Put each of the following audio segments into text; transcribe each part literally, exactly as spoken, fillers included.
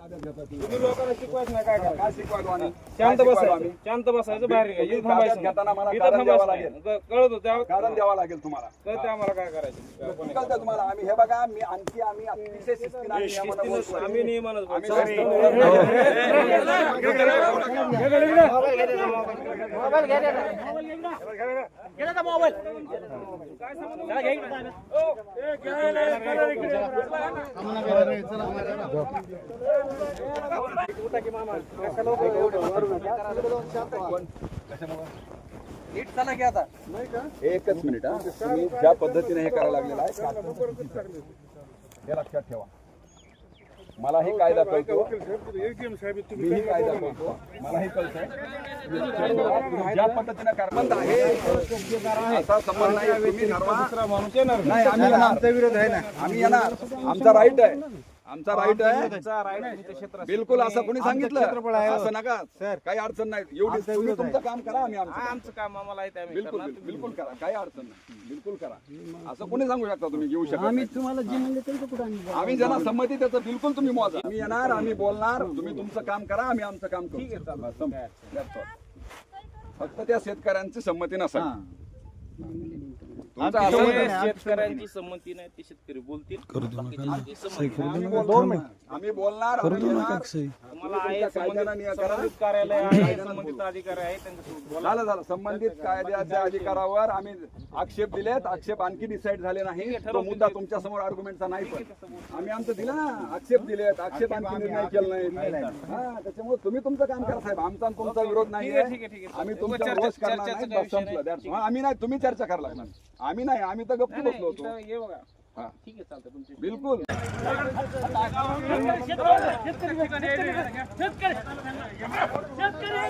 तुम्ही लोकांना शिकवायचं नाही काय करा काय शिकवायलो आम्ही शांत काय शिकवायलो बसायचं आम्ही? शांत बसायचं बाहेर निघायचं. इथं ताब्यात थांबायचं घेताना मला नाही. इथं कारण द्यावं थांबायचं लागेल. नाही. क- कळत होतं कारण द्यावं लागेल तुम्हाला. कळतं आम्हाला काय करायचं. कोणी कळतं तुम्हाला आम्ही हे बघा मी आणखी आम्ही अतिशय शिस्तीने आणि नियमानं बोलतोय. आम्ही नियमानच आम्ही बोलतो. नीट चला की आता. एकच मिनिट हा तुम्ही ज्या पद्धतीने हे करायला लागलेलं आहे हे लक्षात ठेवा. मलाही कायदा कळतो मीही कायदा कळतो मलाही कळतंय तुम्ही ज्या पद्धतीने कारबंद आहे असा संबंध नाही. तुम्ही ठरवा. माणूस येणार नाही आम्ही येणार. आमचा विरोध आहे ना आम्ही येणार. आमचा राईट आहे आमचा राईट आहे बिलकुल. असं कोणी सांगितलं असं नका काही अडचण नाही. एवढी तुम्ही तुमचं काम करा आम्ही आमचं आमचं काम आम्हाला आहे ते आम्ही बिलकुल करणार. बिलकुल करा काही अडचण नाही. बिलकुल करा असं कोणी सांगू शकता तुम्ही घेऊ शकता आम्ही तुम्हाला जे म्हणले त्यांचं कुठं आम्ही आम्ही ज्यांना संमती त्याचं बिलकुल तुम्ही मोजा. आम्ही येणार आम्ही बोलणार तुम्ही तुमचं काम करा आम्ही आमचं काम करू. बस, संपलं. That's all. फक्त त्या शेतकऱ्यांची संमती नसा तुमचं असं ते शेतकऱ्यांची संमती नाही ते शेतकरी बोलतील. बाकीच्यांची संमती नाही. आम्ही बोलणार आम्ही बोलणार आम्ही येणार. तुम्हाला आहे कायद्यानं नियम करा. संबंधित कार्यालय आहे संबंधित अधिकारी आहे त्यांच्यासोबत बोला. झालं झालं संबंधित कायद्याच्या अधिकारावर आम्ही आक्षेप दिलेत. आक्षेप आणखी डिसाईड झाले नाही. तो मुद्दा तुमच्या समोर आर्ग्युमेंटचा नाही पण आम्ही आमचं दिलं ना. आक्षेप दिलेत आक्षेप आणखी निर्णय केला नाही. हा त्याच्यामुळे तुम्ही तुमचं काम करा साहेब. आमचा आणि तुमचा विरोध नाही ठीक आहे, ठीक आहे, ठीक आहे. आम्ही उगाच तुमच्या चर्चा- रोष करणार चर्चेचा नाही. काही बस संपलं. विषय That's नाही. all. आम्ही नाही तुम्ही चर्चा करायला लागणार. आम्ही नाही आम्ही तर गप्प बसलो होतो. इथं हे बघा हा ठीक आहे चालतं तुमचे बिलकुल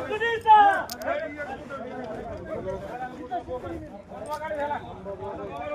शेतकरी